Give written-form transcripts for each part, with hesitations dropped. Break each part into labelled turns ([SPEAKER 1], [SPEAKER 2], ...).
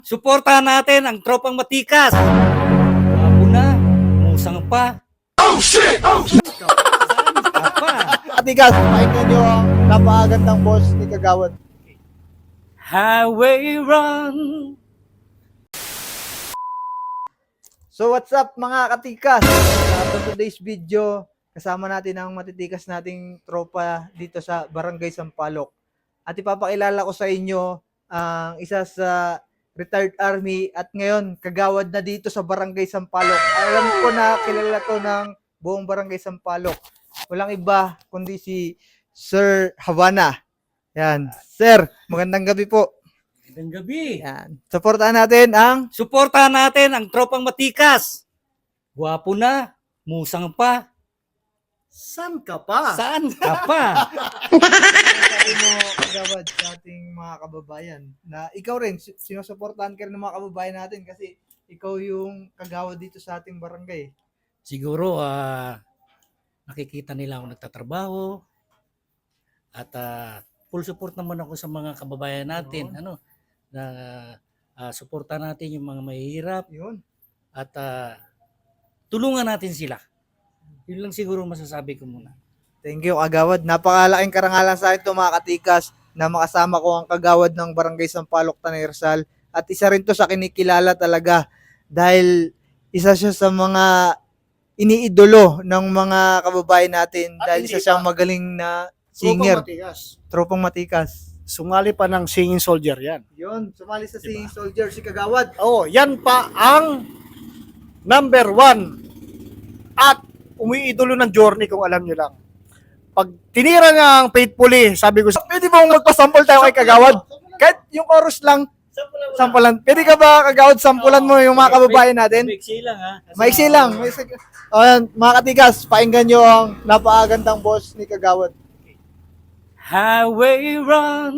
[SPEAKER 1] Suportahan natin ang tropang matikas. Wabo na, musang pa. Oh shit! Oh shit!
[SPEAKER 2] Katikas, pakinggan nyo ang napakagandang boss ni Kagawad.
[SPEAKER 1] Highway run.
[SPEAKER 2] So what's up mga katikas? Sa today's video, kasama natin ang matitikas nating tropa dito sa Barangay Sampaloc. At ipapakilala ko sa inyo ang isa sa retired army at ngayon kagawad na dito sa Barangay Sampaloc. Alam ko na kilala to ng buong Barangay Sampaloc. Walang iba kundi si Sir Havana. Yan. Sir, magandang gabi po.
[SPEAKER 1] Magandang gabi.
[SPEAKER 2] Yan. Suportahan natin ang
[SPEAKER 1] Suportahan natin ang tropang matikas. Gwapo na, musang pa.
[SPEAKER 3] San ka pa?
[SPEAKER 1] Saan ka pa?
[SPEAKER 2] sabi mo kagawad sa ating mga kababayan na ikaw rin, sinusuportahan ka rin ng mga kababayan natin kasi ikaw yung kagawad dito sa ating barangay.
[SPEAKER 1] Siguro, nakikita nila ako nagtatrabaho. At full support naman ako sa mga kababayan natin.
[SPEAKER 2] Yun.
[SPEAKER 1] Ano, na suportahan natin yung mga mahihirap.
[SPEAKER 2] Yun.
[SPEAKER 1] At tulungan natin sila. Yun lang siguro masasabi ko muna.
[SPEAKER 2] Thank you kagawad. Napakalaking karangalan sa akin to mga katikas na makasama ko ang kagawad ng Barangay Sampaloc, Tanay Rizal. At isa rin to sa kinikilala talaga dahil isa siya sa mga iniidolo ng mga kababayan natin
[SPEAKER 3] At
[SPEAKER 2] dahil
[SPEAKER 3] hindi
[SPEAKER 2] isa siyang
[SPEAKER 3] pa.
[SPEAKER 2] magaling na
[SPEAKER 3] Singer.
[SPEAKER 2] singer, tropang matikas.
[SPEAKER 3] Sumali pa ng singing soldier yan.
[SPEAKER 2] Yun, sumali sa singing soldier si kagawad.
[SPEAKER 3] Oo, yan pa ang number 1 at umiidolo ng journey kung alam nyo lang. Pag tinira niya ang faithfully, sabi ko, pwede ba magpasample tayo kay kagawad? Kahit yung chorus lang, sampulan. Pwede ka ba kagawad sampulan mo yung mga kababayan natin?
[SPEAKER 1] Maiksi lang ha.
[SPEAKER 2] Maiksi lang. O yan, mga katikas, pakinggan nyo ang napakagandang boss ni kagawad.
[SPEAKER 1] Highway run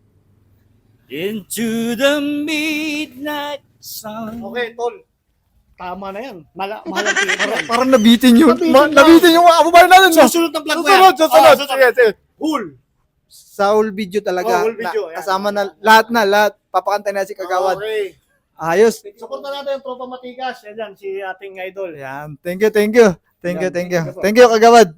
[SPEAKER 1] into the midnight sun.
[SPEAKER 3] Okay, tol. Tama na yan. Mahalang tingin.
[SPEAKER 2] Parang nabitin yun.
[SPEAKER 3] Nabitin lang.
[SPEAKER 2] Nabitin yung mga kababayan natin. No?
[SPEAKER 3] Susunod ng plug mo yan.
[SPEAKER 2] Susunod. Sige, sige.
[SPEAKER 3] Hul.
[SPEAKER 2] Sa whole video talaga.
[SPEAKER 3] Oh, whole video, yan.
[SPEAKER 2] Kasama na lahat. Papakantay na si kagawad.
[SPEAKER 3] Okay.
[SPEAKER 2] Ayos.
[SPEAKER 3] Suporta natin yung tropa matigas. Yan yan, si ating idol.
[SPEAKER 2] Yan. Thank you. Thank you,
[SPEAKER 3] Yan.
[SPEAKER 2] Thank you, kagawad.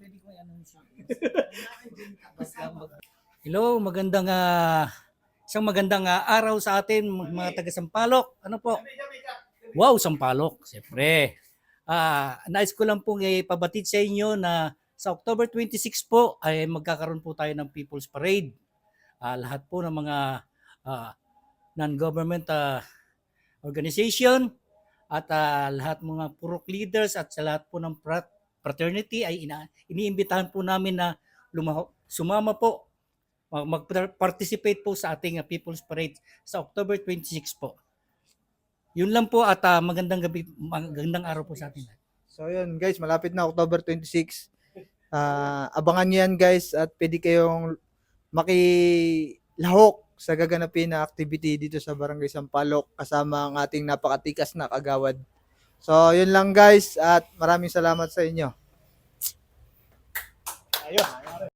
[SPEAKER 1] Hello, isang magandang araw sa atin mga taga Sampaloc. Ano po? Wow, Sampaloc, siyempre. Nais ko lang pong ipabatid sa inyo na sa October 26 po ay magkakaroon po tayo ng People's Parade. Lahat po ng mga non-government organization at lahat mga purok leaders at sa lahat po ng fraternity ay iniimbitahan po namin na sumama po, mag-participate po sa ating People's Parade sa October 26 po. Yun lang po at magandang gabi, magandang araw po sa atin.
[SPEAKER 2] So yun guys, malapit na October 26. Abangan nyo yan guys at pwede kayong makilahok sa gaganapin na activity dito sa Barangay Sampaloc kasama ang ating napakatikas na kagawad. So yun lang guys at maraming salamat sa inyo.
[SPEAKER 3] Ayun.